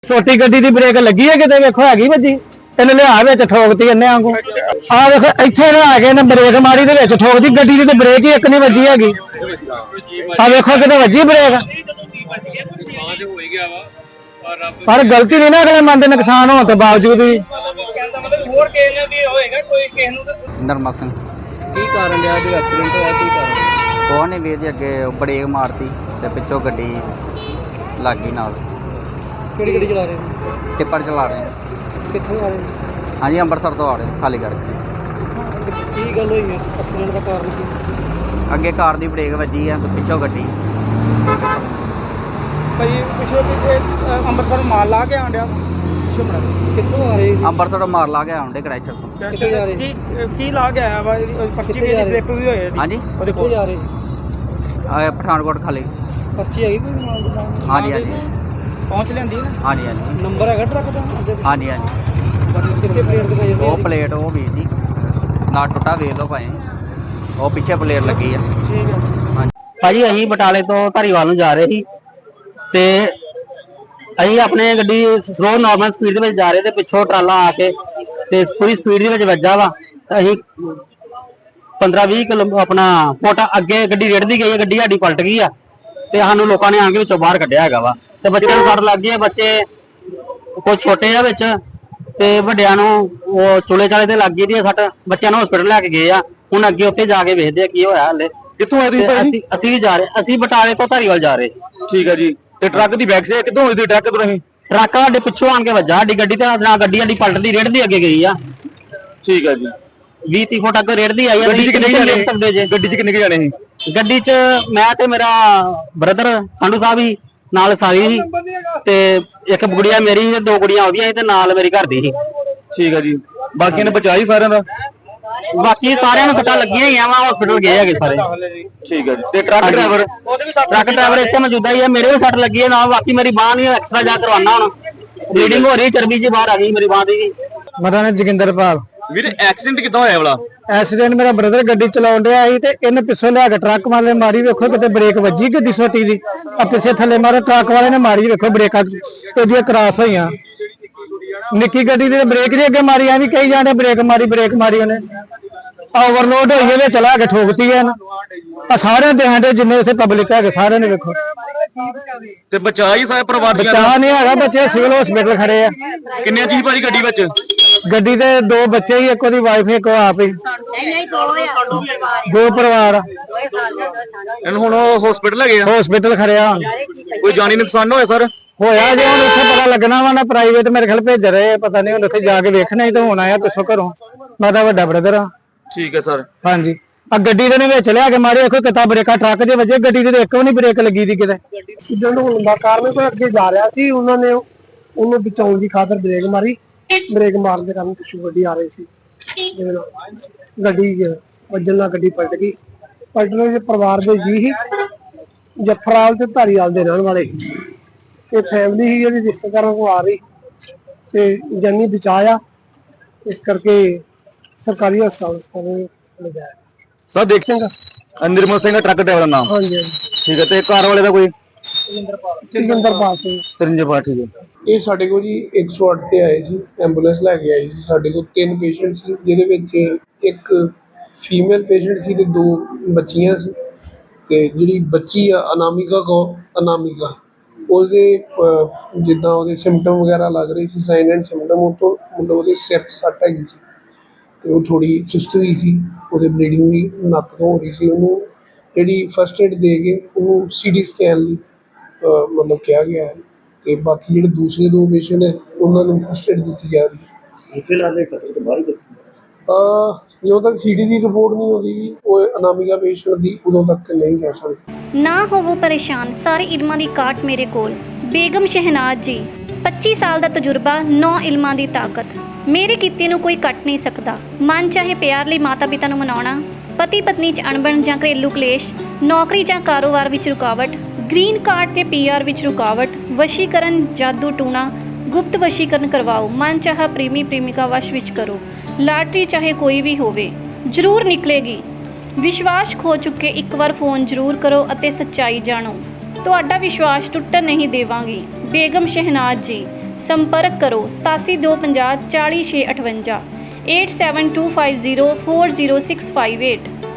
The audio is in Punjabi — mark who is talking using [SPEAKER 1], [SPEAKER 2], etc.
[SPEAKER 1] ਛੋਟੀ ਗੱਡੀ ਦੀ ਬ੍ਰੇਕ ਲੱਗੀ ਹੈ ਕਿਤੇ ਵੇਖੋ ਹੈਗੀ ਵੱਜੀ ਇਹਨੇ ਲਿਆ ਵਿੱਚ ਠੋਕਤੀ ਇਹਨੇ ਆਂਗੂ ਆ ਵੇਖੋ ਇੱਥੇ ਲਿਆ ਕੇ ਇਹਨੇ ਬ੍ਰੇਕ ਮਾਰੀ ਦੇ ਵਿੱਚ ਠੋਕਦੀ ਗੱਡੀ ਦੀ ਤੇ ਬ੍ਰੇਕ ਹੀ ਇੱਕ ਨਹੀਂ ਵੱਜੀ ਹੈਗੀ ਆ ਵੇਖੋ ਕਿਤੇ ਵੱਜੀ ਬ੍ਰੇਕ ਪਰ ਗਲਤੀ ਨਹੀਂ ਨਾ ਅਗਲੇ ਮੰਨਦੇ ਨੁਕਸਾਨ ਹੋਣ ਤੋਂ ਬਾਵਜੂਦ ਵੀ
[SPEAKER 2] ਨਰਮਾ ਸਿੰਘ
[SPEAKER 3] ਕੀ ਕਾਰਨ ਰਿਹਾ ਜੋ ਐਕਸੀਡੈਂਟ ਹੋਇਆ ਕੀ ਕਾਰਨ
[SPEAKER 2] ਕੋਹ ਨੇ ਵੀਰ ਜੀ ਅੱਗੇ ਬ੍ਰੇਕ ਮਾਰਤੀ ਤੇ ਪਿੱਛੋਂ ਗੱਡੀ ਲੱਗ ਗਈ ਨਾਲ।
[SPEAKER 3] ਕਿਹੜੀ ਗੱਡੀ ਚਲਾ ਰਹੇ ਨੇ
[SPEAKER 2] ਟਿੱਪਰ ਚਲਾ ਰਹੇ ਹਾਂ।
[SPEAKER 3] ਕਿੱਥੋਂ ਆ ਰਹੇ ਨੇ
[SPEAKER 2] ਹਾਂਜੀ ਅੰਮ੍ਰਿਤਸਰ ਤੋਂ ਆ ਰਹੇ ਖਾਲੀ ਕਰਕੇ।
[SPEAKER 3] ਕੀ ਗੱਲ ਹੋਈ ਹੈ ਐਕਸੀਡੈਂਟ ਦਾ ਕਾਰਨ ਕੀ
[SPEAKER 2] ਅੱਗੇ ਕਾਰ ਦੀ ਬ੍ਰੇਕ ਵੱਜੀ ਆ ਤੇ ਪਿੱਛੋਂ ਗੱਡੀ।
[SPEAKER 4] ਭਾਈ ਪਿਛਲੇ ਅੰਮ੍ਰਿਤਸਰ ਮਾਲ ਲਾ ਕੇ ਆਂਡਿਆ
[SPEAKER 3] ਕਿੱਥੋਂ ਆ ਰਹੇ
[SPEAKER 2] ਅੰਮ੍ਰਿਤਸਰ ਤੋਂ ਮਾਰ ਲਾ ਕੇ ਆਉਂਦੇ ਕ੍ਰੈਸ਼ਰ ਤੋਂ।
[SPEAKER 3] ਕਿੱਥੇ ਜਾ ਰਹੇ
[SPEAKER 4] ਕੀ ਲਾ ਕੇ ਆਇਆ ਵਾ ਪਰਚੀ ਵੀ ਇਹਦੀ ਸਲਿੱਪ ਵੀ ਹੋਈ
[SPEAKER 2] ਹਾਂਜੀ
[SPEAKER 4] ਉਹਦੇ
[SPEAKER 3] ਕਿੱਥੇ
[SPEAKER 4] ਕੋਲ
[SPEAKER 3] ਜਾ ਰਹੇ
[SPEAKER 2] ਪਠਾਨਕੋਟ ਖਾਲੀ।
[SPEAKER 3] ਪਰਚੀ ਹੈਗੀ ਕੋਈ ਮਾਲ ਦੀ
[SPEAKER 2] ਹਾਂਜੀ ਹਾਂਜੀ
[SPEAKER 4] ਪਹੁੰਚ ਲੈਂਦੀ ਨਾ
[SPEAKER 2] ਹਾਂਜੀ ਹਾਂਜੀ
[SPEAKER 3] ਨੰਬਰ ਹੈਗਾ ਟਰੱਕ ਦਾ ਅੱਗੇ
[SPEAKER 2] ਹਾਂਜੀ ਹਾਂਜੀ
[SPEAKER 3] ਕਿੱਥੇ ਪਲੇਟ ਦਿਖਾਈ ਜਾਂਦੀ
[SPEAKER 2] ਉਹ ਪਲੇਟ ਉਹ ਵੀਰ ਜੀ ਨਾ ਟੁੱਟਾ ਵੇਖ ਲਓ ਭਾਵੇਂ ਉਹ ਪਿੱਛੇ ਪਲੇਟ ਲੱਗੀ ਆ।
[SPEAKER 4] ਠੀਕ ਹੈ
[SPEAKER 1] ਭਾਜੀ ਅਸੀਂ ਬਟਾਲੇ ਤੋਂ ਧਾਰੀਵਾਲ ਨੂੰ ਜਾ ਰਹੇ ਸੀ ਤੇ ਅਸੀਂ ਆਪਣੇ ਗੱਡੀ ਸਲੋ ਨਾਰਮਲ ਸਪੀਡ ਦੇ ਵਿੱਚ ਜਾ ਰਹੇ ਤੇ ਪਿੱਛੋਂ ਟਰਾਲਾ ਆ ਕੇ ਤੇ ਪੂਰੀ ਸਪੀਡ ਦੇ ਵਿੱਚ ਵੱਜਾ ਵਾ। ਅਸੀਂ 15-20 ਕਿਲੋ ਆਪਣਾ ਫੁੱਟ ਅੱਗੇ ਗੱਡੀ ਰੇੜਦੀ ਗਈ ਹੈ, ਗੱਡੀ ਸਾਡੀ ਪਲਟ ਗਈ ਆ ਤੇ ਸਾਨੂੰ ਲੋਕਾਂ ਨੇ ਆ ਕੇ ਵਿੱਚੋਂ ਬਾਹਰ ਕੱਢਿਆ ਹੈਗਾ ਵਾ ਤੇ ਬੱਚਿਆਂ ਨੂੰ ਸੱਟ ਲੱਗ ਗਈ ਹੈ। ਬੱਚੇ ਕੁਝ ਛੋਟੇ ਆ ਵਿੱਚ ਤੇ ਵੱਡਿਆਂ ਨੂੰ ਉਹ ਚੁਲੇ ਚਾਲੇ ਤੇ ਲੱਗ ਗਈ ਦੀ ਸੱਟ। ਬੱਚਿਆਂ ਨੂੰ ਹਸਪੀਟਲ ਲੈ ਕੇ ਗਏ ਆ, ਹੁਣ ਅੱਗੇ ਉੱਥੇ ਜਾ ਕੇ ਵੇਖਦੇ ਆ ਕੀ ਹੋਇਆ ਹਲੇ।
[SPEAKER 5] ਕਿੱਥੋਂ ਆਏ ਤੁਸੀਂ?
[SPEAKER 1] ਅਸੀਂ ਵੀ ਜਾ ਰਹੇ, ਅਸੀਂ ਬਟਾਲੇ ਤੋਂ ਧਾਰੀਵਾਲ ਜਾ ਰਹੇ।
[SPEAKER 5] ਠੀਕ ਹੈ ਜੀ। ਤੇ ਟਰੱਕ ਦੀ ਬੈਕ ਸਾਈਡ ਕਿੱਥੋਂ ਹੋਈ ਸੀ? ਟਰੱਕ ਤੋਂ ਨਹੀਂ
[SPEAKER 1] ਟਰੱਕ ਸਾਡੇ ਪਿੱਛੋਂ ਆਣ ਕੇ ਵੱਜਾ ਸਾਡੀ ਗੱਡੀ ਤੇ ਨਾ ਗੱਡੀ ਸਾਡੀ ਪਲਟਦੀ ਰੇੜਦੀ ਅੱਗੇ ਗਈ ਆ।
[SPEAKER 5] ਠੀਕ ਹੈ ਜੀ।
[SPEAKER 1] 20-30 ਫੁੱਟ ਅੱਗੇ ਰੇੜਦੀ ਆਈ ਆ।
[SPEAKER 5] ਗੱਡੀ 'ਚ ਕਿੰਨੇ
[SPEAKER 1] ਦੇਖ
[SPEAKER 5] ਜਾਣੇ
[SPEAKER 1] ਸਕਦੇ ਜੇ
[SPEAKER 5] ਗੱਡੀ 'ਚ ਕਿੰਨੇ ਜਾਣੇ ਸੀ?
[SPEAKER 1] ਗੱਡੀ 'ਚ ਮੈਂ ਤੇ ਮੇਰਾ ਬ੍ਰਦਰ ਸੰਧੂ ਸਾਹਿਬ ਹੀ ਨਾਲ ਸਾਰੀ ਸੀ ਤੇ ਇੱਕ ਗੁੜੀਆ ਮੇਰੀ ਸੀ ਤੇ 2 ਗੁੜੀਆਂ ਉਹਦੀਆਂ ਸੀ ਤੇ ਨਾਲ ਮੇਰੀ ਘਰ ਦੀ ਸੀ।
[SPEAKER 5] ਠੀਕ ਹੈ ਜੀ। ਬਾਕੀਆਂ ਨੇ ਬਚਾਈ ਸਾਰਿਆਂ ਦਾ?
[SPEAKER 1] ਬਾਕੀ ਸਾਰਿਆਂ ਨੂੰ ਸੱਟਾਂ ਲੱਗੀਆਂ ਹੀ ਆ ਵਾ ਹਸਪੀਟਲ ਗਏ ਹੈਗੇ ਸਾਰੇ।
[SPEAKER 5] ਠੀਕ ਹੈ ਜੀ। ਤੇ ਟਰੱਕ ਡਰਾਈਵਰ
[SPEAKER 1] ਇੱਥੇ ਮੌਜੂਦਾ ਹੀ ਆ, ਮੇਰੇ ਵੀ ਸੱਟ ਲੱਗੀ ਹੈ ਨਾਲ। ਬਾਕੀ ਮੇਰੀ ਬਾਂਹ ਨਹੀਂ ਐਕਸਟਰਾ ਜਾ ਕਰਵਾਉਣਾ ਹੁਣ ਬਲੀਡਿੰਗ ਹੋ ਰਹੀ, ਚਰਬੀ ਜੀ ਬਾਹਰ ਆ ਗਈ ਮੇਰੀ ਬਾਂਹ ਦੀ। ਮੇਰਾ ਨਾਮ ਜੋਗਿੰਦਰਪਾਲ।
[SPEAKER 5] ਵੀਰ ਐਕਸੀਡੈਂਟ ਕਿੱਦਾਂ ਹੋਇਆ ਵਾਲਾ?
[SPEAKER 1] ਐਕਸੀਡੈਂਟ ਮੇਰਾ ਬ੍ਰਦਰ ਗੱਡੀ ਚਲਾਉਣ ਡਿਆ ਸੀ ਤੇ ਇਹਨੇ ਪਿੱਛੋਂ ਲਿਆ ਕੇ ਟਰੱਕ ਵਾਲੇ ਮਾਰੀ। ਵੇਖੋ ਕਿਤੇ ਬ੍ਰੇਕ ਵੱਜੀ ਗੱਡੀ ਛੋਟੀ ਦੀ ਆ ਪਿੱਛੇ ਥੱਲੇ ਮਾਰੇ ਟਰੱਕ ਵਾਲੇ ਨੇ ਮਾਰੀ। ਵੇਖੋ ਬ੍ਰੇਕਾਂ ਇਹਦੀਆਂ ਕ੍ਰਾਸ ਹੋਈਆਂ। ਨਿੱਕੀ ਗੱਡੀ ਦੀ ਬ੍ਰੇਕ ਨਹੀਂ ਅੱਗੇ ਮਾਰੀ, ਐਵੇਂ ਕਹੀ ਜਾਂਦੇ ਬ੍ਰੇਕ ਮਾਰੀ ਉਹਨੇ। ਓਵਰਲੋਡ ਹੋਈ ਇਹਦੇ ਚਲਾ ਕੇ ਠੋਕਤੀ ਹੈ ਨਾ ਆ ਸਾਰਿਆਂ ਦੇ ਹਾਂਡੇ ਜਿੰਨੇ ਉੱਥੇ ਪਬਲਿਕ ਹੈਗੇ ਸਾਰਿਆਂ ਨੇ ਵੇਖੋ।
[SPEAKER 5] ਤੇ ਬਚਾਈ ਸਾਰੇ ਪਰਿਵਾਰ ਦੀਆਂ?
[SPEAKER 1] ਬਚਾ ਨਹੀਂ ਹੈਗਾ, ਬੱਚੇ ਸਿਵਲ ਹਸਪੀਟਲ ਖੜੇ ਆ।
[SPEAKER 5] ਕਿੰਨੇ ਜੀ ਭਾਜੀ ਗੱਡੀ ਵਿੱਚ?
[SPEAKER 1] ਗੱਡੀ ਦੇ 2 ਬੱਚੇ ਹੀ, ਇੱਕ ਉਹਦੀ ਵਾਈਫ ਇੱਕ ਉਹ ਆਪ ਹੀ।
[SPEAKER 6] ਨਹੀਂ 2
[SPEAKER 1] 2 ਪਰਿਵਾਰ ਆ।
[SPEAKER 5] ਇਹਨੂੰ ਹੁਣ ਹਸਪੀਟਲ ਹੈਗੇ ਆ?
[SPEAKER 1] ਹਸਪੀਟਲ ਖੜਿਆ ਹੁਣ।
[SPEAKER 5] ਕੋਈ ਜਾਨੀ ਨੁਕਸਾਨ ਹੋਇਆ ਸਰ?
[SPEAKER 1] ਹੋਇਆ ਜੇ ਹੁਣ ਉੱਥੇ ਪਤਾ ਲੱਗਣਾ ਵਾ ਨਾ, ਪ੍ਰਾਈਵੇਟ ਮੇਰੇ ਖਿਆਲ ਭੇਜ ਰਹੇ ਪਤਾ ਨਹੀਂ, ਹੁਣ ਉੱਥੇ ਜਾ ਕੇ ਵੇਖਣਾ ਹੀ ਤਾਂ ਹੁਣ ਆਇਆ ਪਿੱਛੋਂ ਘਰੋਂ। ਮੈਂ ਤਾਂ ਵੱਡਾ ਬ੍ਰਦਰ ਆ।
[SPEAKER 5] ਠੀਕ ਹੈ ਸਰ।
[SPEAKER 1] ਹਾਂਜੀ ਆ ਗੱਡੀ ਦੇ ਵਿੱਚ ਲਿਆ ਕੇ ਮਾਰੇ। ਦੇਖੋ ਕਿਤਾ ਬ੍ਰੇਕਾਂ ਟਰੱਕ ਦੇ ਵਜੇ, ਗੱਡੀ ਦੇ ਇੱਕ ਵੀ ਨਹੀਂ ਬ੍ਰੇਕ ਲੱਗੀ ਦੀ ਕਿਤੇ।
[SPEAKER 4] ਐਕਸੀਡੈਂਟ ਹੋਣ ਦਾ ਕਾਰਨ ਕੋਈ ਅੱਗੇ ਜਾ ਰਿਹਾ ਸੀ, ਉਹਨਾਂ ਨੇ ਉਹਨੂੰ ਬਚਾਉਣ ਦੀ ਖਾਤਰ ਬ੍ਰੇਕ ਮਾਰੀ। ਬ੍ਰੇਕ ਮਾਰਨ ਦੇ ਕਾਰਨ ਪਿੱਛੋਂ ਗੱਡੀ ਆ ਰਹੀ ਸੀ, ਗੱਡੀ ਵੱਜਣ ਨਾਲ ਗੱਡੀ ਪਲਟ ਗਈ। ਪਲਟਣ ਦੇ ਪਰਿਵਾਰ ਦੇ ਜੀ ਹੀ ਜਫਰਾਲ ਤੇ ਧਾਰੀਵਾਲ ਦੇ ਰਹਿਣ ਵਾਲੇ ਤੇ ਫੈਮਿਲੀ ਹੀ ਜਿਹੜੀ ਰਿਸ਼ਤੇਦਾਰਾਂ ਕੋਲ ਆ ਰਹੀ ਤੇ ਜਾਨੀ ਬਚਾਇਆ, ਇਸ ਕਰਕੇ ਸਰਕਾਰੀ ਹਸਪਤਾਲ ਲਿਜਾਇਆ।
[SPEAKER 5] ਸਰ ਦੇਖ ਸਿੰਘ ਨਿਰਮਲ ਸਿੰਘ ਟਰੱਕ ਡਰਾਈਵਰ ਦਾ ਨਾਮ?
[SPEAKER 4] ਹਾਂਜੀ ਹਾਂਜੀ
[SPEAKER 5] ਠੀਕ ਹੈ। ਤੇ ਕਾਰ ਵਾਲੇ ਦਾ ਕੋਈ?
[SPEAKER 4] ਜੋਗਿੰਦਰਪਾਲ ਸਿੰਘ।
[SPEAKER 5] ਤਰਿੰਜਪਾਲ। ਠੀਕ ਹੈ।
[SPEAKER 7] ਇਹ ਸਾਡੇ ਕੋਲ ਜੀ 108 ਤੇ ਆਏ ਸੀ, ਐਂਬੂਲੈਂਸ ਲੈ ਕੇ ਆਈ ਸੀ। ਸਾਡੇ ਕੋਲ 3 ਪੇਸ਼ੈਂਟ ਸੀ, ਜਿਹਦੇ ਵਿੱਚ ਇੱਕ ਫੀਮੇਲ ਪੇਸ਼ੈਂਟ ਸੀ ਤੇ 2 ਬੱਚੀਆਂ ਸੀ। ਤੇ ਜਿਹੜੀ ਬੱਚੀ ਆ ਅਨਾਮਿਕਾ ਉਹਦੇ ਜਿੱਦਾਂ ਉਹਦੇ ਸਿੰਪਟਮ ਵਗੈਰਾ ਲੱਗ ਰਹੇ ਸੀ, ਸਾਈਨ ਐਂਡ ਸਿੰਪਟਮ, ਉਹ ਤੋਂ ਮਤਲਬ ਉਹਦੇ ਸਿਰ 'ਚ ਸੱਟ ਹੈਗੀ ਸੀ ਤੇ ਉਹ ਥੋੜ੍ਹੀ ਸੁਸਤ ਵੀ ਸੀ। ਉਹਦੇ ਬਲੀਡਿੰਗ ਵੀ ਨੱਕ ਤੋਂ ਹੋ ਰਹੀ ਸੀ। ਉਹਨੂੰ ਜਿਹੜੀ ਫਸਟ ਏਡ ਦੇ ਕੇ ਉਹਨੂੰ CT ਸਕੈਨ ਲਈ ਮਤਲਬ ਕਿਹਾ ਗਿਆ ਹੈ। ਤੇ ਬਾਕੀ ਜਿਹੜੇ ਦੂਸਰੇ 2 ਪੇਸ਼ੈਂਟ ਹੈ ਉਹਨਾਂ ਨੂੰ ਫਸਟ ਏਡ ਦਿੱਤੀ ਜਾ ਰਹੀ ਹੈ।
[SPEAKER 4] ਫਿਲਹਾਲ ਇਹ ਖਤਰੇ ਤੋਂ ਬਾਹਰ ਹੀ ਦੱਸੀ
[SPEAKER 7] ਜਦੋਂ ਤੱਕ CT ਦੀ ਰਿਪੋਰਟ ਨਹੀਂ ਆਉਂਦੀ ਉਹ ਅਨਾਮਿਕਾ ਪੇਸ਼ੈਂਟ ਦੀ, ਉਦੋਂ ਤੱਕ ਨਹੀਂ ਕਹਿ ਸਕਦੇ।
[SPEAKER 8] ਨਾ ਹੋਵੋ ਪਰੇਸ਼ਾਨ, ਸਾਰੇ ਇਲਮਾਂ ਦੀ ਕਾਟ ਮੇਰੇ ਕੋਲ। ਬੇਗਮ ਸ਼ਹਿਨਾਜ਼ ਜੀ, 25 ਸਾਲ ਦਾ ਤਜਰਬਾ, 9 ਇਲਮਾਂ ਦੀ ਤਾਕਤ। ਮੇਰੇ ਕੀਤੇ ਨੂੰ ਕੋਈ ਕੱਟ ਨਹੀਂ ਸਕਦਾ। ਮਨ ਚਾਹੇ ਪਿਆਰ ਲਈ ਮਾਤਾ ਪਿਤਾ ਨੂੰ ਮਨਾਉਣਾ, ਪਤੀ ਪਤਨੀ 'ਚ ਅਣਬਣ ਜਾਂ ਘਰੇਲੂ ਕਲੇਸ਼, ਨੌਕਰੀ ਜਾਂ ਕਾਰੋਬਾਰ ਵਿੱਚ ਰੁਕਾਵਟ, ਗ੍ਰੀਨ ਕਾਰਡ ਤੇ PR ਵਿੱਚ ਰੁਕਾਵਟ, ਵਸ਼ੀਕਰਨ, ਜਾਦੂ ਟੂਣਾ, ਗੁਪਤ ਵਸ਼ੀਕਰਨ ਕਰਵਾਓ। ਮਨ ਚਾਹਾ ਪ੍ਰੇਮੀ ਪ੍ਰੇਮਿਕਾ ਵਸ਼ ਵਿੱਚ ਕਰੋ। ਲਾਟਰੀ ਚਾਹੇ ਕੋਈ ਵੀ ਹੋਵੇ ਜ਼ਰੂਰ ਨਿਕਲੇਗੀ। ਵਿਸ਼ਵਾਸ ਖੋ ਚੁੱਕੇ ਇੱਕ ਵਾਰ ਫੋਨ ਜ਼ਰੂਰ ਕਰੋ ਅਤੇ ਸੱਚਾਈ ਜਾਣੋ। ਤੁਹਾਡਾ ਵਿਸ਼ਵਾਸ ਟੁੱਟਣ ਨਹੀਂ ਦੇਵਾਂਗੀ। ਬੇਗਮ ਸ਼ਹਿਨਾਜ਼ ਜੀ, ਸੰਪਰਕ ਕਰੋ 8725040658 8725040658